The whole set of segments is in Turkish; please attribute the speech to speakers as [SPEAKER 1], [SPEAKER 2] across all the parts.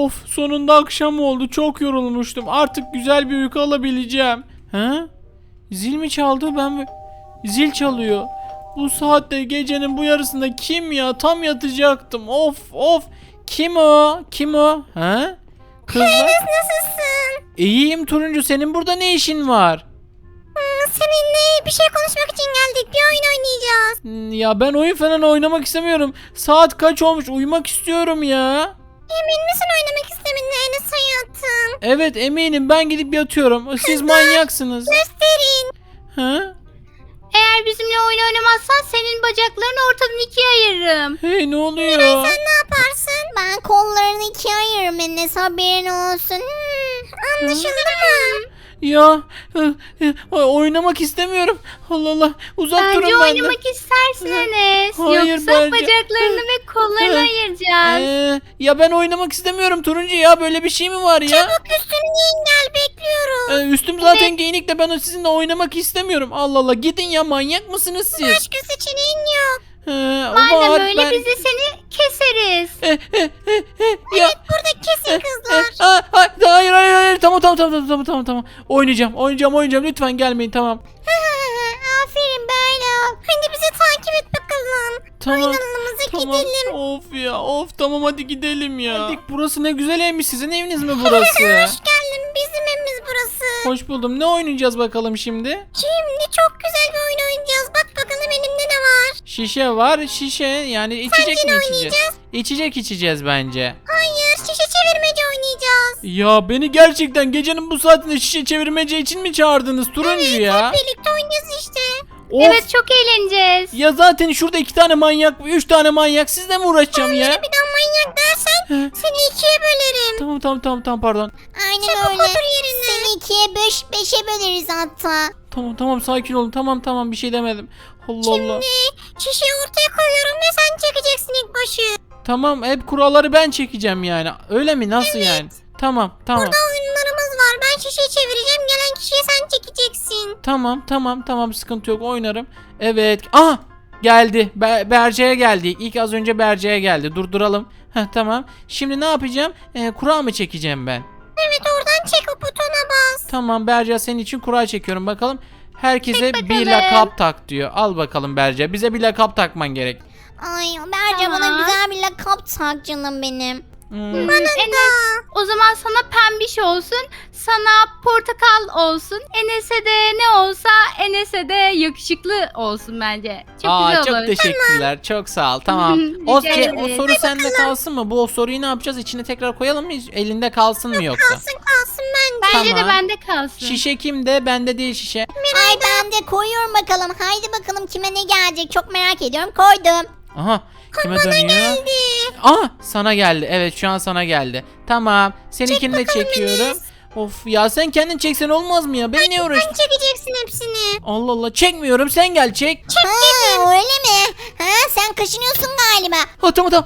[SPEAKER 1] Of, sonunda akşam oldu. Çok yorulmuştum. Artık güzel bir uyku alabileceğim. Ha? Zil mi çaldı? Zil çalıyor. Bu saatte gecenin bu yarısında kim ya? Tam yatacaktım. Of of. Kim o? Kim o? Ha? Kızlar.
[SPEAKER 2] Nasılsın?
[SPEAKER 1] İyiyim Turuncu. Senin burada ne işin var?
[SPEAKER 2] Seninle bir şey konuşmak için geldik. Bir oyun oynayacağız.
[SPEAKER 1] Ya ben oyun falan oynamak istemiyorum. Saat kaç olmuş? Uyumak istiyorum ya.
[SPEAKER 2] Emin misin oynamak istemediğine Enes hayatım?
[SPEAKER 1] Evet eminim. Ben gidip yatıyorum. Siz manyaksınız.
[SPEAKER 2] Gösterin.
[SPEAKER 1] Ha?
[SPEAKER 3] Eğer bizimle oyun oynamazsan senin bacaklarını ortadan ikiye ayırırım.
[SPEAKER 1] Hey, ne oluyor?
[SPEAKER 2] Sen ne yaparsın? Ben kollarını ikiye ayırırım Enes, haberin olsun. Anlaşıldı mı?
[SPEAKER 1] Ya oynamak istemiyorum. Allah Allah. Uzak
[SPEAKER 3] Bence
[SPEAKER 1] durun benden.
[SPEAKER 3] oynamak istersin Enes.
[SPEAKER 1] Hayır,
[SPEAKER 3] Yoksa
[SPEAKER 1] bence-
[SPEAKER 3] bacaklarını ve kollarını ayıracağız.
[SPEAKER 1] Ya ben oynamak istemiyorum Turuncu ya. Böyle bir şey mi var ya?
[SPEAKER 2] Çabuk üstünü giyin gel, bekliyorum.
[SPEAKER 1] Üstüm zaten giyinik de ben sizinle oynamak istemiyorum. Allah Allah. Gidin ya, manyak mısınız siz?
[SPEAKER 2] Başka seçeneğin yok.
[SPEAKER 3] Madem
[SPEAKER 1] var,
[SPEAKER 3] öyle biz de seni keseriz.
[SPEAKER 1] Ya.
[SPEAKER 2] Burada kesin kızlar.
[SPEAKER 1] Hayır hayır hayır. Tamam. Oynayacağım. Lütfen gelmeyin, tamam.
[SPEAKER 2] Aferin böyle ol. Hadi bizi takip et bakalım.
[SPEAKER 1] Tamam.
[SPEAKER 2] Oynanımıza
[SPEAKER 1] Tamam.
[SPEAKER 2] gidelim.
[SPEAKER 1] Of ya. Of, tamam, hadi gidelim ya. Burası ne güzel evmiş. Sizin eviniz mi burası?
[SPEAKER 2] Hoş geldin, bizim evimiz burası.
[SPEAKER 1] Hoş buldum. Ne oynayacağız bakalım şimdi?
[SPEAKER 2] Şimdi çok güzel bir oyun oynayacağız. Bak bakalım elimde ne var.
[SPEAKER 1] Şişe var. Şişe yani içecek mi içeceğiz?
[SPEAKER 2] oynayacağız?
[SPEAKER 1] İçecek içeceğiz bence.
[SPEAKER 2] Hayır, şişe çevirmece oynayacağız.
[SPEAKER 1] Ya beni gerçekten gecenin bu saatinde şişe çevirmece için mi çağırdınız Turuncu ya?
[SPEAKER 2] Birlikte oynayacağız işte.
[SPEAKER 1] Of.
[SPEAKER 3] Evet, çok eğleneceğiz.
[SPEAKER 1] Ya zaten şurada 2 tane manyak, 3 tane manyak, sizle mi uğraşacağım ya?
[SPEAKER 2] Bir daha manyak dersen seni ikiye bölerim.
[SPEAKER 1] Tamam pardon.
[SPEAKER 2] Aynen öyle. Otur yerine. Seni ikiye beşe böleriz hatta.
[SPEAKER 1] Tamam sakin olun. Tamam bir şey demedim. Allah Allah.
[SPEAKER 2] Şişeyi ortaya koyuyorum ve sen çekeceksin ilk başı.
[SPEAKER 1] Tamam, hep kuralları ben çekeceğim yani. Öyle mi? Nasıl yani? Tamam.
[SPEAKER 2] Oyunlarımız var. Ben şişeyi çevireceğim. Gelen kişiyi sen çekeceksin.
[SPEAKER 1] Tamam, sıkıntı yok, oynarım. Evet. Aha! Geldi. Berce'ye geldi. İlk az önce Berce'ye geldi. Durduralım. Tamam. Şimdi ne yapacağım? Kura mı çekeceğim ben?
[SPEAKER 2] Evet, oradan çek, o butona bas.
[SPEAKER 1] Tamam Berce, senin için kura çekiyorum bakalım. Herkese
[SPEAKER 3] Çek
[SPEAKER 1] bir
[SPEAKER 3] bakalım.
[SPEAKER 1] lakap tak diyor. Al bakalım Berce. Bize bir lakap takman gerek.
[SPEAKER 2] Ay Berce,
[SPEAKER 3] Tamam.
[SPEAKER 2] bana güzel bir lakap tak canım benim.
[SPEAKER 3] Enes, o zaman sana pembiş olsun, sana portakal olsun, Enes'e de ne olsa Enes'e de yakışıklı olsun bence. Çok güzel olur.
[SPEAKER 1] Çok teşekkürler. Çok sağ ol. Tamam.
[SPEAKER 3] Rica
[SPEAKER 1] o
[SPEAKER 3] ederim.
[SPEAKER 1] soru sende kalsın mı? Bu soruyu ne yapacağız? İçine tekrar koyalım mı? Elinde kalsın mı yoksa?
[SPEAKER 2] Kalsın bence.
[SPEAKER 3] Bence
[SPEAKER 1] Tamam.
[SPEAKER 3] de bende kalsın.
[SPEAKER 1] Şişe kimde? Bende değil şişe.
[SPEAKER 2] Ay ben de koyuyorum bakalım. Haydi bakalım kime ne gelecek, çok merak ediyorum. Koydum.
[SPEAKER 1] Aha. Kime dönüyor? Aha, sana geldi. Evet, şu an sana geldi. Tamam. Seninkini de çekiyorum. Of ya, sen kendin çeksen olmaz mı ya? Beni niye uğraştın?
[SPEAKER 2] Sen çekeceksin hepsini.
[SPEAKER 1] Allah Allah, çekmiyorum. Sen gel çek.
[SPEAKER 2] Ha, öyle mi? Ha, sen kaşınıyorsun galiba.
[SPEAKER 1] Tamam.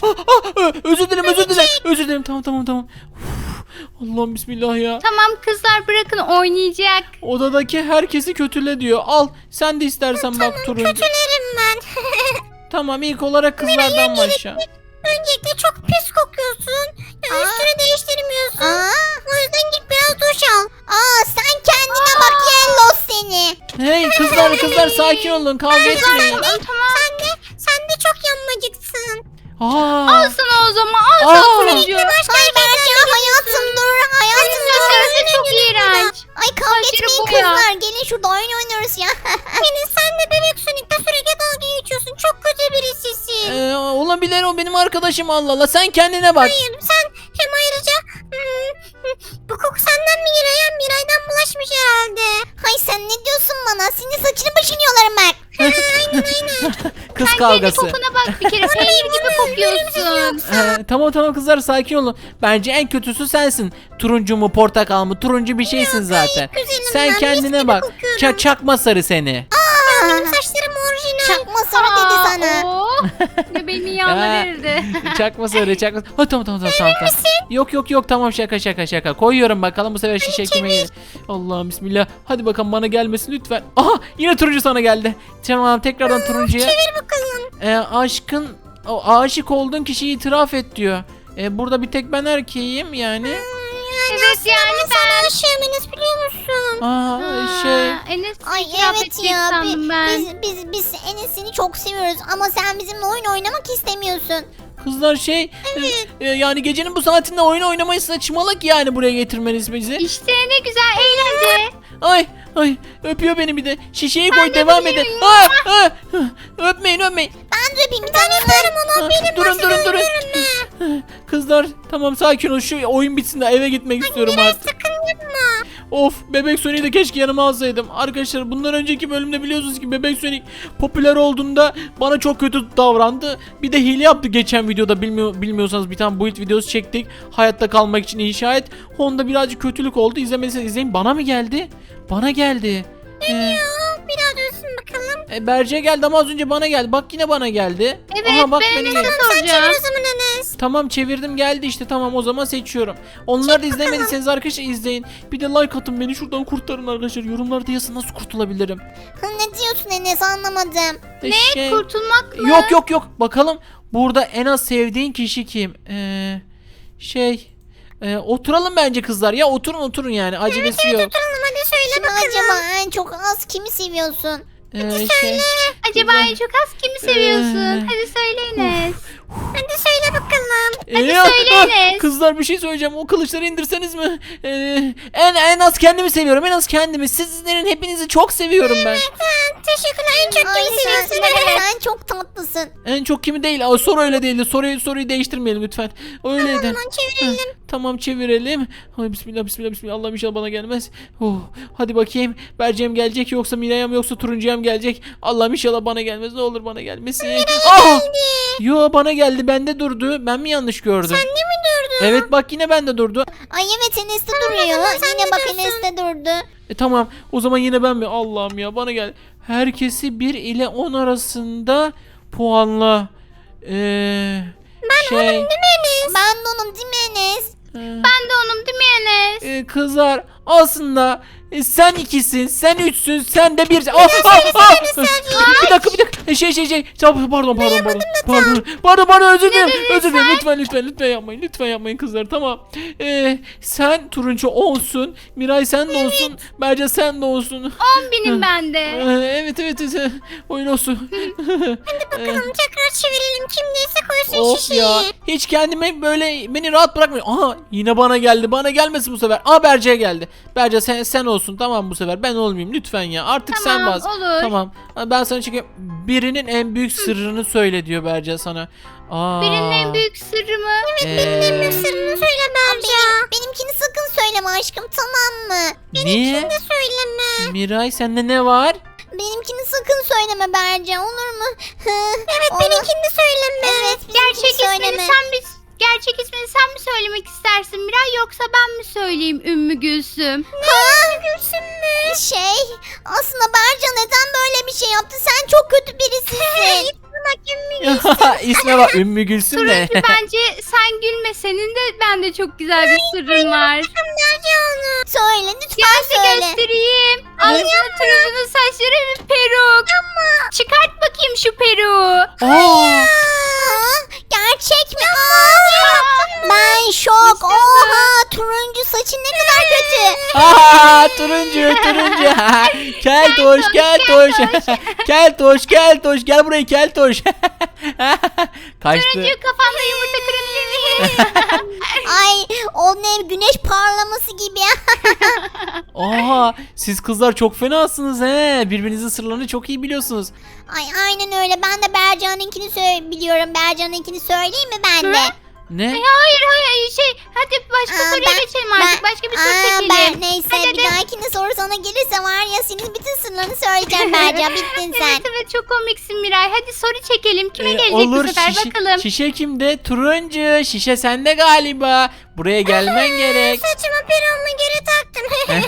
[SPEAKER 1] Özür dilerim. Tamam. Uf, Allah'ım bismillah ya.
[SPEAKER 3] Tamam kızlar, bırakın oynayacak.
[SPEAKER 1] Odadaki herkesi kötüle diyor. Al, sen de istersen bak Turuncu.
[SPEAKER 2] Kötülerim ben.
[SPEAKER 1] Tamam, ilk olarak kızlardan başla.
[SPEAKER 2] Öncelikle çok pis kokuyorsun. Ya üstünü değiştirmiyorsun. O yüzden git biraz duş al. Sen kendine bak Yellow seni.
[SPEAKER 1] Hey kızlar sakin olun, kavga etmeyin.
[SPEAKER 2] Sen de çok yanmacıksın.
[SPEAKER 3] Al sana o zaman, al
[SPEAKER 1] Aa.
[SPEAKER 3] sana turuncu.
[SPEAKER 2] Hayır Berce, hayatım dur. Hayatım
[SPEAKER 3] Senin saçların da çok iğrenç.
[SPEAKER 2] Ay kavga
[SPEAKER 3] Saçları
[SPEAKER 2] etmeyin
[SPEAKER 3] boya.
[SPEAKER 2] kızlar. Gelin şurada oyun oynuyoruz ya. Yani sen de bebek Sonic'te sürekli dalga geçiyorsun. Çok kötü birisisin.
[SPEAKER 1] Olabilir, o benim arkadaşım, Allah Allah. Sen kendine bak.
[SPEAKER 2] Hayır, sen hem ayrıca bu koku senden mi Miray'dan? Miray'dan bulaşmış herhalde. Hay sen ne diyorsun bana? Senin saçını başını yolarım ben.
[SPEAKER 1] Kız
[SPEAKER 3] Sen kendi
[SPEAKER 1] kavgası.
[SPEAKER 3] kokuna bak bir kere, peynir gibi kokuyorsun.
[SPEAKER 1] Tamam kızlar, sakin olun. Bence en kötüsü sensin. Turuncu mu portakal mı? Turuncu bir şeysin zaten.
[SPEAKER 2] güzelim
[SPEAKER 1] Sen
[SPEAKER 2] ben, mis
[SPEAKER 1] kendine
[SPEAKER 2] gibi
[SPEAKER 1] bak.
[SPEAKER 2] kokuyorum.
[SPEAKER 1] Çakma sarı seni.
[SPEAKER 2] Benim saçlarım orijinal. Çakma sarı dedi sana.
[SPEAKER 3] Ne beni yağlar eridi.
[SPEAKER 1] Çakma sarı. Tamam. Yok tamam, şaka. Koyuyorum bakalım bu sefer şişe kime gelir. Allah'ım bismillah. Hadi bakalım, bana gelmesin lütfen. Aha, yine turuncu sana geldi. Tamam, tekrardan turuncuya.
[SPEAKER 2] Çevir bakalım.
[SPEAKER 1] Aşık olduğun kişiyi itiraf et diyor. Burada bir tek ben erkeğim yani.
[SPEAKER 3] Evet yani
[SPEAKER 2] Sana aşığım Enes, biliyor musun?
[SPEAKER 3] Enes
[SPEAKER 2] Ay
[SPEAKER 3] itiraf
[SPEAKER 2] evet
[SPEAKER 3] edecek
[SPEAKER 2] ya,
[SPEAKER 3] sandım ben.
[SPEAKER 2] biz Enes seni çok seviyoruz ama sen bizimle oyun oynamak istemiyorsun.
[SPEAKER 1] Kızlar yani gecenin bu saatinde oyun oynamayı saçmalık yani buraya getirmeniz bizi.
[SPEAKER 3] İşte ne güzel eğlence.
[SPEAKER 1] Ay öpüyor beni bir de. Şişeyi koy
[SPEAKER 3] de
[SPEAKER 1] devam edin.
[SPEAKER 3] öpeyim.
[SPEAKER 1] Öpmeyin.
[SPEAKER 2] Ben de öpeyim, bir tane yaparım onu. Benim
[SPEAKER 1] Durun. Kızlar tamam sakin ol, şu oyun bitsin de eve gitmek istiyorum artık.
[SPEAKER 2] sakın yapma.
[SPEAKER 1] Of, Bebek Sonic'i de keşke yanıma alsaydım. Arkadaşlar bundan önceki bölümde biliyorsunuz ki Bebek Sonic popüler olduğunda bana çok kötü davrandı. Bir de hile yaptı geçen videoda, bilmiyorsanız bir tane build videosu çektik. Hayatta kalmak için inşa et. Onda birazcık kötülük oldu. İzlemediyseniz izleyin. Bana mı geldi? Bana geldi.
[SPEAKER 2] Bir daha dönsün bakalım.
[SPEAKER 1] Berce geldi ama az önce bana geldi. Bak yine bana geldi.
[SPEAKER 3] Evet,
[SPEAKER 1] Aha, bak
[SPEAKER 3] ben
[SPEAKER 1] beni
[SPEAKER 3] Enes'e
[SPEAKER 1] geldi.
[SPEAKER 3] soracağım.
[SPEAKER 2] O zaman Enes.
[SPEAKER 1] Tamam çevirdim geldi işte, tamam o zaman seçiyorum. Onları da izlemediyseniz arkadaşlar izleyin. Bir de like atın, beni şuradan kurtarın arkadaşlar. Yorumlarda yazın nasıl kurtulabilirim.
[SPEAKER 2] Ne diyorsun Enes, anlamadım.
[SPEAKER 3] Kurtulmak mı?
[SPEAKER 1] Yok bakalım burada en az sevdiğin kişi kim? Oturalım bence kızlar ya, oturun yani, acelesi yok.
[SPEAKER 2] Oturalım hadi, söyle
[SPEAKER 1] Kim
[SPEAKER 2] bakalım. Acaba en çok az kimi seviyorsun?
[SPEAKER 3] Acaba en çok az kimi seviyorsun? Hadi söyle Enes.
[SPEAKER 2] Hadi söyle bakalım.
[SPEAKER 3] söyle Enes.
[SPEAKER 1] Kızlar bir şey söyleyeceğim, o kılıçları indirseniz mi? En az kendimi seviyorum, en az kendimi. Sizlerin hepinizi çok seviyorum ben.
[SPEAKER 2] Teşekkürler, en çok kimi seviyorsun? Sen çok tatlısın.
[SPEAKER 1] En çok kimi değil. Soru öyle değildi. Soruyu değiştirmeyelim lütfen. Öyleydi.
[SPEAKER 2] Tamam, çevirelim.
[SPEAKER 1] Tamam çevirelim. Ay, bismillah. Allah'ım inşallah bana gelmez. Hadi bakayım. Berce'm gelecek yoksa Miray'ım yoksa Turuncu'yam gelecek. Allah'ım inşallah bana gelmez. Ne olur bana gelmesin. Yo, bana geldi. Bende durdu. Ben mi yanlış gördüm?
[SPEAKER 2] Sen de mi durdun?
[SPEAKER 1] Evet bak, yine bende durdu.
[SPEAKER 2] Ay evet, Enes de duruyor. Yine bak, Enes de durdu.
[SPEAKER 1] Tamam. O zaman yine ben mi? Allah'ım ya, bana gel. Herkesi 1 ile 10 arasında puanla.
[SPEAKER 2] Ben de onun değil mi Enes?
[SPEAKER 3] Ben de onum değil mi Enes?
[SPEAKER 1] Kızlar aslında sen 2'sin, sen 3'sün, sen de 1. Bir dakika. Pardon, özür dilerim. Lütfen yapmayın. Lütfen yapmayın kızlar, tamam. Sen Turuncu 10'sun, Miray sen de olsun, Berce sen de olsun.
[SPEAKER 3] 10.000'im ben de.
[SPEAKER 1] Evet. Oyun olsun.
[SPEAKER 2] Bakalım tekrar çevirelim. Kimdeyse koysun
[SPEAKER 1] Of
[SPEAKER 2] şişeyi.
[SPEAKER 1] ya, hiç kendime böyle, beni rahat bırakmıyor. Aha, yine bana geldi. Bana gelmesin bu sefer. Berce'ye geldi. Berce sen olsun, tamam bu sefer ben olmayayım lütfen ya. Artık sen
[SPEAKER 3] Tamam,
[SPEAKER 1] bas.
[SPEAKER 3] olur.
[SPEAKER 1] Tamam. Ben sana çekeyim. Birinin en büyük sırrını söyle diyor Berce sana.
[SPEAKER 3] Birinin en büyük sırrı mı?
[SPEAKER 2] Sırrını söyle Berca. Benimkini sakın söyleme aşkım, tamam mı?
[SPEAKER 1] Niye?
[SPEAKER 2] Söyleme.
[SPEAKER 1] Miray, sende ne var?
[SPEAKER 2] Benimkini sakın söyleme Berca, olur mu? Evet, benimkini de söyleme. Evet,
[SPEAKER 3] Gerçek ismini sen mi söylemek istersin Miray, yoksa ben mi söyleyeyim Ümmü Gülsüm?
[SPEAKER 2] Gülsün mü? Aslında Berca neden böyle bir şey yaptı? Sen çok kötü birisin.
[SPEAKER 1] İsme bak, Ümmü Gülsüm de.
[SPEAKER 3] Turuncu, bence sen gülme, senin de bende çok güzel bir sırrın var.
[SPEAKER 2] Söyle lütfen,
[SPEAKER 3] Gel de
[SPEAKER 2] söyle.
[SPEAKER 3] göstereyim. Aslında Turuncunun saçları bir peruk. Çıkart bakayım şu peruğu.
[SPEAKER 2] Gerçek mi? Ben şok. Oha, turuncu saçın ne kadar kötü.
[SPEAKER 1] Turuncu. Keltoş. Gel buraya keltoş. Kaçtı.
[SPEAKER 3] Turuncu, kafanda yumurta kırabilir miyim?
[SPEAKER 2] Ay, o ne, güneş parlaması gibi.
[SPEAKER 1] Siz kızlar çok fenasınız he. Birbirinizin sırlarını çok iyi biliyorsunuz.
[SPEAKER 2] Ay aynen öyle. Ben de Berca'nınkini biliyorum. Berca'nınkini söyleyeyim mi ben de?
[SPEAKER 1] Ne?
[SPEAKER 3] Hayır hadi başka soruya geçelim artık, başka bir soru çekelim.
[SPEAKER 2] Neyse, bir dahakine soru sana gelirse var ya, senin bütün sırlarını söyleyeceğim Berca, bittin sen.
[SPEAKER 3] Evet çok komiksin Miray, hadi soru çekelim, kime gelecek
[SPEAKER 1] Olur,
[SPEAKER 3] bu sefer bakalım.
[SPEAKER 1] Şişe kimde? Turuncu. Şişe sende galiba. Buraya gelmen gerek.
[SPEAKER 2] Saçıma peruğumu geri taktım.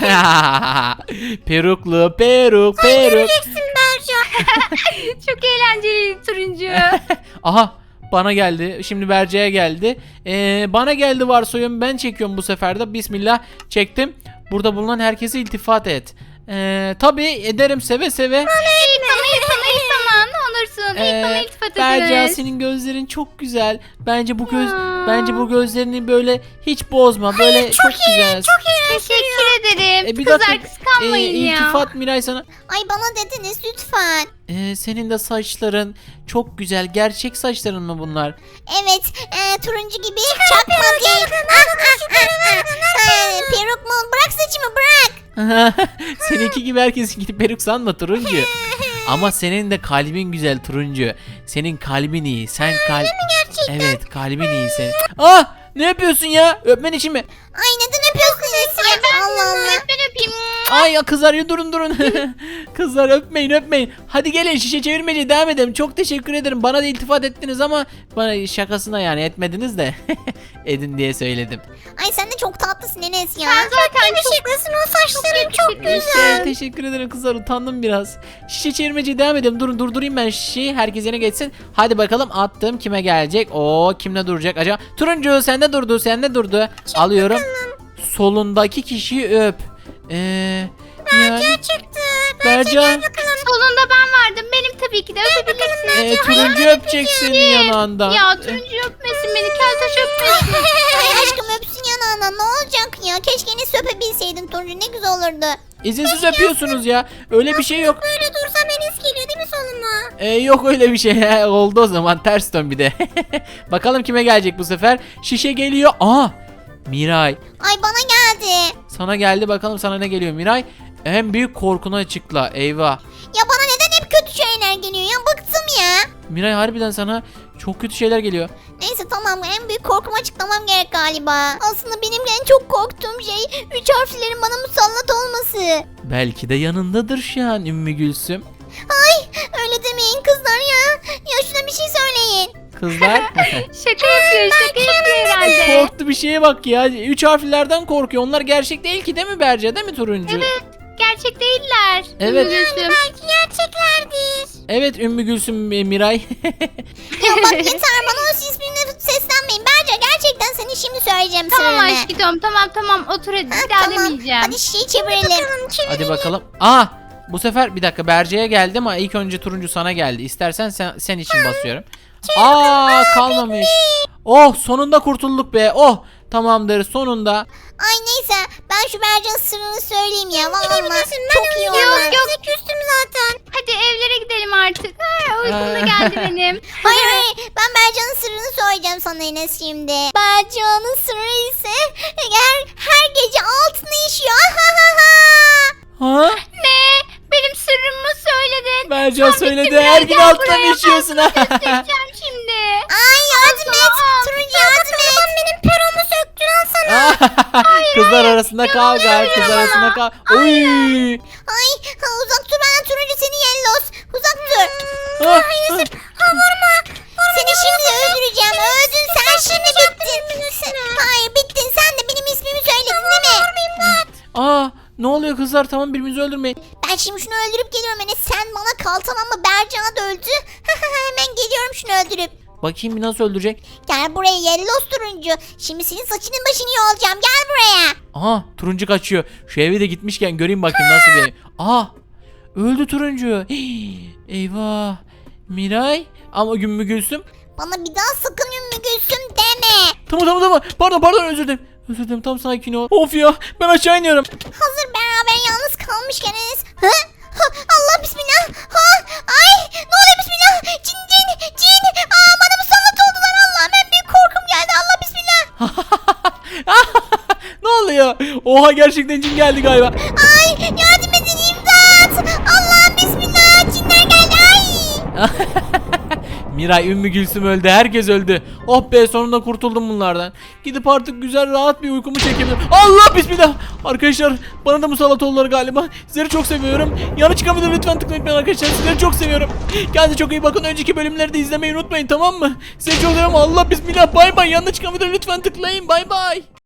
[SPEAKER 1] Peruk.
[SPEAKER 2] Göreceksin Berca.
[SPEAKER 3] Çok eğlenceli Turuncu.
[SPEAKER 1] Aha, bana geldi. Şimdi Berce'ye geldi. Bana geldi varsayıyorum. Ben çekiyorum bu sefer de. Bismillah, çektim. Burada bulunan herkese iltifat et. Tabii ederim, seve seve.
[SPEAKER 3] Tamam ne olursun. İlk bana iltifat
[SPEAKER 1] Berca
[SPEAKER 3] ediniz.
[SPEAKER 1] senin gözlerin çok güzel. Bence bu
[SPEAKER 3] Ya.
[SPEAKER 1] bence bu gözlerini böyle hiç bozma. Böyle çok güzel.
[SPEAKER 3] Teşekkür ederim.
[SPEAKER 1] Bir
[SPEAKER 3] Kızlar
[SPEAKER 1] dakika,
[SPEAKER 3] kıskanmayın ya.
[SPEAKER 1] İltifat Miray sana.
[SPEAKER 2] Ay bana dediniz lütfen.
[SPEAKER 1] Senin de saçların çok güzel. Gerçek saçların mı bunlar?
[SPEAKER 2] Evet, turuncu gibi çakma değil. Peruk mu? Bırak saçımı bırak.
[SPEAKER 1] Seninki gibi herkes gidip peruk sanma turuncu. Ama senin de kalbin güzel turuncu. Senin kalbin iyi. Sen
[SPEAKER 2] Gerçekten.
[SPEAKER 1] Evet, kalbin iyi senin. Ah! Ne yapıyorsun ya? Öpmen için mi?
[SPEAKER 2] Ay neden öpüyorsunuz ya? Allah Allah.
[SPEAKER 3] Ben öpeyim.
[SPEAKER 1] Ay ya kızlar ya durun. Kızlar öpmeyin. Hadi gelin şişe çevirmece devam edelim. Çok teşekkür ederim. Bana da iltifat ettiniz ama bana şakasına yani etmediniz de. Edin diye söyledim.
[SPEAKER 2] Ay sen de çok tatlısın Enes ya.
[SPEAKER 3] Sen zaten çok
[SPEAKER 2] yakışıklısın, o saçların çok güzel.
[SPEAKER 1] Teşekkür ederim kızlar, utandım biraz. Şişe çevirmece devam edelim. Durun durdurayım ben şişeyi. Herkes yerine geçsin. Hadi bakalım attım. Kime gelecek? Kimle duracak acaba? Turuncu sende durdu. Alıyorum. Solundaki kişiyi öp. Yani,
[SPEAKER 2] Çıktı.
[SPEAKER 1] Berca.
[SPEAKER 3] Solunda ben vardım. Benim tabii ki de öpebilirsin.
[SPEAKER 1] Turuncu öpecek senin yanağından.
[SPEAKER 3] Ya turuncu öpmesin beni. Keltoş öpmesin.
[SPEAKER 2] Ay aşkım öpsün yanağına, ne olacak ya? Keşke Enes öpebilseydin turuncu, ne güzel olurdu.
[SPEAKER 1] İzinsiz öpüyorsunuz ya. Öyle bir şey yok.
[SPEAKER 2] Böyle dursam Enes geliyor değil mi soluma?
[SPEAKER 1] Yok öyle bir şey. Oldu o zaman. Ters dön bir de. Bakalım kime gelecek bu sefer. Şişe geliyor. Miray.
[SPEAKER 2] Ay bana geldi.
[SPEAKER 1] Sana geldi, bakalım sana ne geliyor Miray. En büyük korkunu açıkla. Eyvah.
[SPEAKER 2] Ya bana neden hep kötü şeyler geliyor ya? Bıktım ya.
[SPEAKER 1] Miray harbiden sana çok kötü şeyler geliyor.
[SPEAKER 2] Neyse tamam, en büyük korkumu açıklamam gerek galiba. Aslında benim en çok korktuğum şey 3 harflerin bana musallat olması.
[SPEAKER 1] Belki de yanındadır şu an Ümmü Gülsüm.
[SPEAKER 2] Ay öyle demeyin kızlar ya. Ya şuna bir şey söyleyin.
[SPEAKER 1] Kızlar.
[SPEAKER 3] Şaka yapıyor herhalde.
[SPEAKER 1] Korktu bir şeye bak ya. 3 harflerden korkuyor. Onlar gerçek değil ki, değil mi Berce? Değil mi turuncu?
[SPEAKER 3] Evet. Gerçek değiller.
[SPEAKER 1] Evet.
[SPEAKER 3] Gülsüm.
[SPEAKER 2] Belki gerçeklerdir.
[SPEAKER 1] Evet Ümmü Gülsüm Miray.
[SPEAKER 2] Ya bak yeter, bana o ismini seslenmeyin. Berce gerçekten seni şimdi söyleyeceğim
[SPEAKER 3] Tamam
[SPEAKER 2] sırrını.
[SPEAKER 3] aşkım tamam otur hadi. Bir daha demeyeceğim.
[SPEAKER 2] Hadi şişeyi çevirelim.
[SPEAKER 1] Hadi bakalım. Bu sefer bir dakika Berce'ye geldi ama ilk önce turuncu sana geldi. İstersen sen için basıyorum. Kalmamış. Sonunda kurtulduk be. Tamamdır sonunda.
[SPEAKER 2] Ay neyse, ben şu Berce'nin sırrını söyleyeyim ya. Vallahi çok iyi oldu.
[SPEAKER 3] Yok.
[SPEAKER 2] Size küstüm zaten.
[SPEAKER 3] Hadi evlere gidelim artık. Uykum da geldi benim.
[SPEAKER 2] Hayır, ben Berce'nin sırrını söyleyeceğim sana Enes şimdi. Berce'nin sırrı ise her gece altını işiyor.
[SPEAKER 1] Ha?
[SPEAKER 3] Ne? Benim sırrımı söyledin.
[SPEAKER 1] Berce söyledi.
[SPEAKER 3] Gittim
[SPEAKER 1] Her
[SPEAKER 3] ya,
[SPEAKER 1] gün
[SPEAKER 3] gel
[SPEAKER 1] alttan
[SPEAKER 3] buraya,
[SPEAKER 1] içiyorsun.
[SPEAKER 3] Göstereceğim şimdi.
[SPEAKER 2] Ay yardım et. Turuncu yardım et. Benim peromu söktün, al sana.
[SPEAKER 1] Kızlar arasında kavga. Kızlar arasında kavga. Oy.
[SPEAKER 2] Ay uzak dur benden, turuncu seni yellos. Uzak dur.
[SPEAKER 1] Ah,
[SPEAKER 2] Seni şimdi öldüreceğim. Öldün sen, şimdi bittin. Hayır bittin, sen de benim ismimi söyledin değil mi?
[SPEAKER 1] Ne oluyor kızlar? Tamam, birbirimizi öldürmeyin.
[SPEAKER 2] Ben şimdi şunu öldürüp geliyorum Enes. Sen bana kal tamam mı? Bercan'a da öldü. Hemen geliyorum şunu öldürüp.
[SPEAKER 1] Bakayım bir nasıl öldürecek.
[SPEAKER 2] Gel buraya yellos turuncu. Şimdi senin saçının başını yolacağım. Gel buraya.
[SPEAKER 1] Turuncu kaçıyor. Şu eve de gitmişken göreyim bakayım nasıl bir ev. Öldü turuncu. Eyvah. Miray ama Ümmü Gülsüm.
[SPEAKER 2] Bana bir daha sakın Ümmü Gülsüm deme.
[SPEAKER 1] Tamam. Pardon özür dilerim. Tam sakin ol. Of ya, ben aşağı iniyorum.
[SPEAKER 2] Hazır beraber yalnız kalmışken Enes. Allah bismillah. Ay ne oluyor bismillah. Cin. Bana musallat oldular Allah'ım. En büyük korkum geldi. Allah bismillah.
[SPEAKER 1] Ne oluyor? Oha, gerçekten cin geldi galiba.
[SPEAKER 2] Ay yardım edin, imdat. Allah'ım bismillah. Cinler geldi. Ay.
[SPEAKER 1] Miray, Ümmü Gülsüm öldü. Herkes öldü. Oh be, sonunda kurtuldum bunlardan. Gidip artık güzel rahat bir uykumu çekebilirim. Allah bismillah. Arkadaşlar bana da musallat oldular galiba. Sizleri çok seviyorum. Yanı çıkabilir, lütfen tıklayın arkadaşlar. Sizleri çok seviyorum. Kendinize çok iyi bakın. Önceki bölümleri de izlemeyi unutmayın, tamam mı? Sizleri çok seviyorum. Allah bismillah. Bay bay. Yanına çıkabilir, lütfen tıklayın. Bay bay.